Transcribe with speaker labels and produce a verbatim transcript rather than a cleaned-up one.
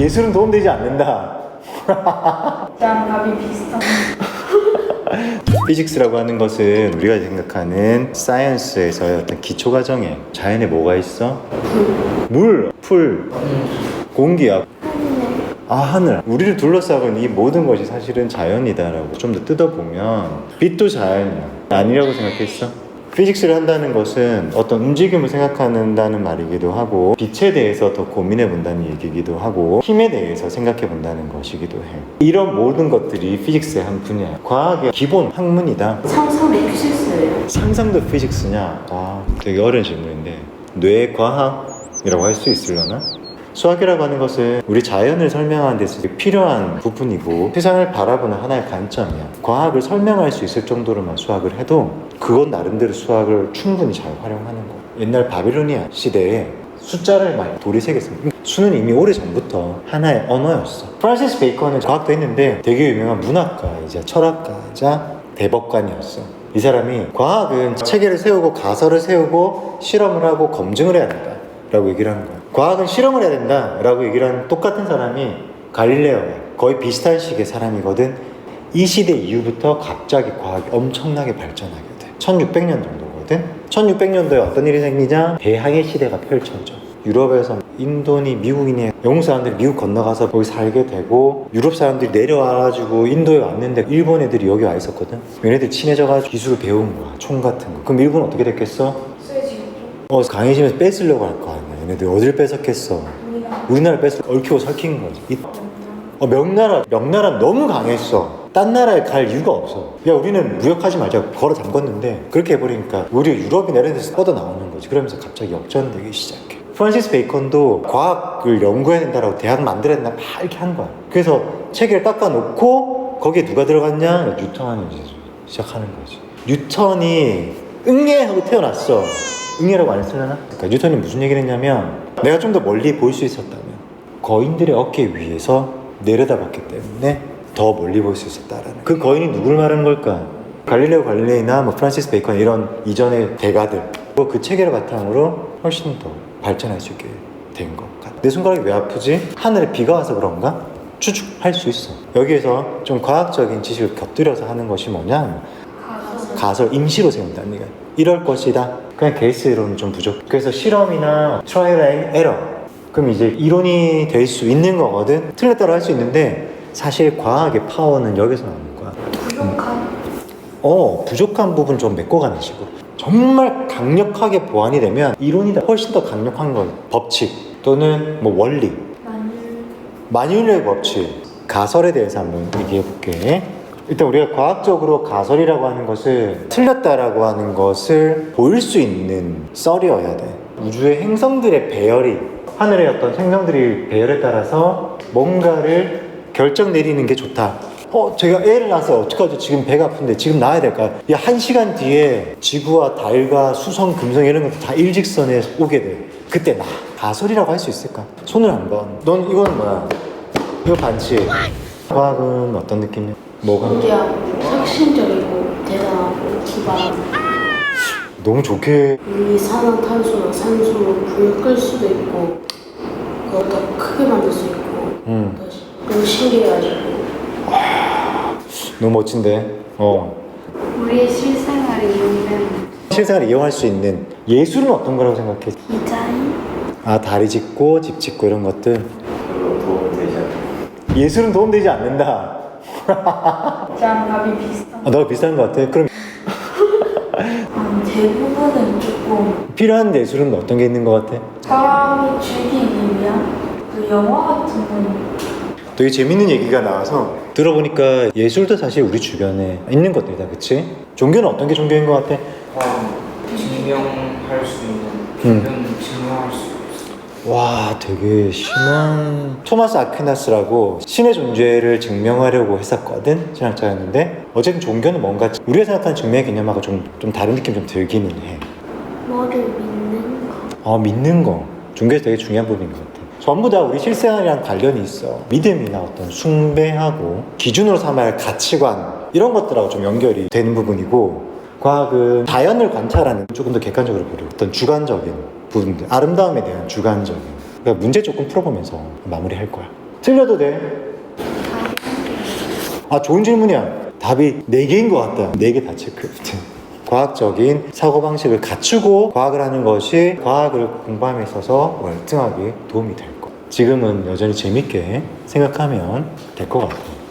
Speaker 1: 예술은 도움되지 않는다.
Speaker 2: 짱갑이 비슷한.
Speaker 1: 피직스라고 하는 것은 우리가 생각하는 사이언스에서의 어떤 기초 과정에 자연에 뭐가 있어? 물, 풀, 공기야. 아, 하늘. 우리를 둘러싸고 있는 이 모든 것이 사실은 자연이다라고 좀 더 뜯어보면 빛도 자연이야. 아니라고 생각했어? 피직스를 한다는 것은 어떤 움직임을 생각한다는 말이기도 하고, 빛에 대해서 더 고민해 본다는 얘기이기도 하고, 힘에 대해서 생각해 본다는 것이기도 해. 이런 모든 것들이 피직스의 한 분야야. 과학의 기본 학문이다.
Speaker 2: 상상도 피직스예요.
Speaker 1: 상상도 피직스냐? 와, 되게 어려운 질문인데, 뇌과학이라고 할 수 있으려나? 수학이라고 하는 것은 우리 자연을 설명하는 데서 필요한 부분이고, 세상을 바라보는 하나의 관점이야. 과학을 설명할 수 있을 정도로만 수학을 해도 그건 나름대로 수학을 충분히 잘 활용하는 거야. 옛날 바빌로니아 시대에 숫자를 많이 돌이 새겼습니다. 수는 이미 오래전부터 하나의 언어였어. 프란시스 베이컨은 과학도 했는데 되게 유명한 문학가이자 철학가이자 대법관이었어. 이 사람이 과학은 체계를 세우고 가설을 세우고 실험을 하고 검증을 해야 된다 라고 얘기를 하는 거야. 과학은 실험을 해야 된다 라고 얘기를 하는 똑같은 사람이 갈릴레오야. 거의 비슷한 시기의 사람이거든. 이 시대 이후부터 갑자기 과학이 엄청나게 발전하게 돼. 천육백 년 정도거든. 천육백 년도에 어떤 일이 생기냐? 대항해 시대가 펼쳐져. 유럽에서 인도니 미국이니 영국 사람들이 미국 건너가서 거기 살게 되고, 유럽 사람들이 내려와가지고 인도에 왔는데 일본 애들이 여기 와 있었거든. 얘네들 친해져가지고 기술을 배운 거야. 총 같은 거. 그럼 일본은 어떻게 됐겠어? 어, 강해지면서 뺏으려고 할 거 아니야. 얘네들 어딜 뺏었겠어? 우리나라 뺏을 얽히고 설킨 거지. 이, 어, 명나라, 명나라 너무 강했어. 딴 나라에 갈 이유가 없어. 야, 우리는 무역하지 말자 걸어 잠궜는데, 그렇게 해버리니까 우리 유럽이 이런 데서 뻗어 나오는 거지. 그러면서 갑자기 역전되기 시작해. 프란시스 베이컨도 과학을 연구해야 된다라고 대학 만들어야 된다 막 이렇게 한 거야. 그래서 체계를 닦아놓고 거기에 누가 들어갔냐? 뉴턴이 이제 시작하는 거지. 뉴턴이 응애하고 태어났어. 응애라고 안 했으려나? 그러니까 뉴턴이 무슨 얘기를 했냐면, 내가 좀 더 멀리 볼 수 있었다면 거인들의 어깨 위에서 내려다봤기 때문에 더 멀리 볼 수 있었다라는, 그 거인이 누굴 말하는 걸까? 갈릴레오 갈릴레이나 뭐 프란시스 베이컨 이런 이전의 대가들, 그 체계를 바탕으로 훨씬 더 발전할 수 있게 된 것 같아. 내 손가락이 왜 아프지? 하늘에 비가 와서 그런가? 추측할 수 있어. 여기에서 좀 과학적인 지식을 곁들여서 하는 것이 뭐냐?
Speaker 2: 가설.
Speaker 1: 가설, 임시로 세운다는 얘기야. 이럴 것이다. 그냥 케이스 이론은 좀 부족. 그래서 실험이나 트라이얼 앤 에러, 그럼 이제 이론이 될 수 있는 거거든. 틀렸다고 할 수 있는데 사실 과학의 파워는 여기서 나오는 거야.
Speaker 2: 부족한.
Speaker 1: 어, 부족한 부분 좀 메꿔가는 식으로. 정말 강력하게 보완이 되면 이론이 훨씬 더 강력한 거, 법칙 또는 뭐 원리,
Speaker 2: 만일.
Speaker 1: 만유인의 법칙, 가설에 대해서 한번 얘기해 볼게. 일단 우리가 과학적으로 가설이라고 하는 것을, 틀렸다라고 하는 것을 보일 수 있는 썰이어야 돼. 우주의 행성들의 배열이, 하늘의 어떤 행성들이 배열에 따라서 뭔가를 결정 내리는 게 좋다. 어, 제가 애를 낳아서 어떡하죠? 지금 배가 아픈데 지금 낳아야 될까? 야, 한 시간 뒤에 지구와 달과 수성, 금성 이런 것도 다 일직선에 오게 돼. 그때 나 가설이라고 할 수 있을까? 손을 한번. 넌 이건 뭐야? 이거 반칙. 과학은 어떤 느낌이야? 뭐가?
Speaker 2: 신기하고 혁신적이고 대단하고 기발하고.
Speaker 1: 너무 좋게.
Speaker 2: 이산화탄소나 산소로 불을 끌 수도 있고, 그걸 더 크게 만들 수 있고.
Speaker 1: 음.
Speaker 2: 너무 신기해가지고.
Speaker 1: 너무 멋진데. 어.
Speaker 2: 우리의 실생활에 이용되는
Speaker 1: 실생활을 이용할 수 있는 예술은 어떤 거라고 생각해?
Speaker 2: 디자인?
Speaker 1: 아, 다리 짓고 집 짓고 이런 것들.
Speaker 3: 별로 도움이 되지 않아요.
Speaker 1: 예술은 도움되지 않는다.
Speaker 2: 짱갑이 비슷한.
Speaker 1: 아, 너가 비슷한 것 같아. 그럼
Speaker 2: 음, 대부분은 조금
Speaker 1: 필요한 예술은 어떤 게 있는 것 같아?
Speaker 2: 사람이 즐기기 위한 그 영화 같은 건.
Speaker 1: 되게 재밌는 얘기가 나와서 들어보니까 예술도 사실 우리 주변에 있는 것들이다, 그치? 종교는 어떤 게 종교인 것 같아?
Speaker 3: 어, 증명할 수 있는
Speaker 1: 음.
Speaker 3: 표현 증명할 수 있어.
Speaker 1: 와, 되게 심한. 토마스 아퀴나스라고 신의 존재를 증명하려고 했었거든, 신학자였는데, 어쨌든 종교는 뭔가 우리가 생각하는 증명의 개념하고 좀, 좀 다른 느낌 좀 들기는 해.
Speaker 2: 뭐를 믿는 거.
Speaker 1: 어, 믿는 거 종교에서 되게 중요한 부분인 것 같아. 전부 다 우리 실생활이랑 관련이 있어. 믿음이나 어떤 숭배하고 기준으로 삼아야 할 가치관, 이런 것들하고 좀 연결이 되는 부분이고, 과학은 자연을 관찰하는, 조금 더 객관적으로 보려 어떤 주관적인 부분들, 아름다움에 대한 주관적인, 그러니까 문제 조금 풀어보면서 마무리할 거야. 틀려도 돼. 아, 좋은 질문이야. 답이 네 개인 것 같다. 네 개 다 체크. 과학적인 사고방식을 갖추고 과학을 하는 것이 과학을 공부함에 있어서 월등하게 도움이 될 것. 지금은 여전히 재밌게 생각하면 될 것 같아요.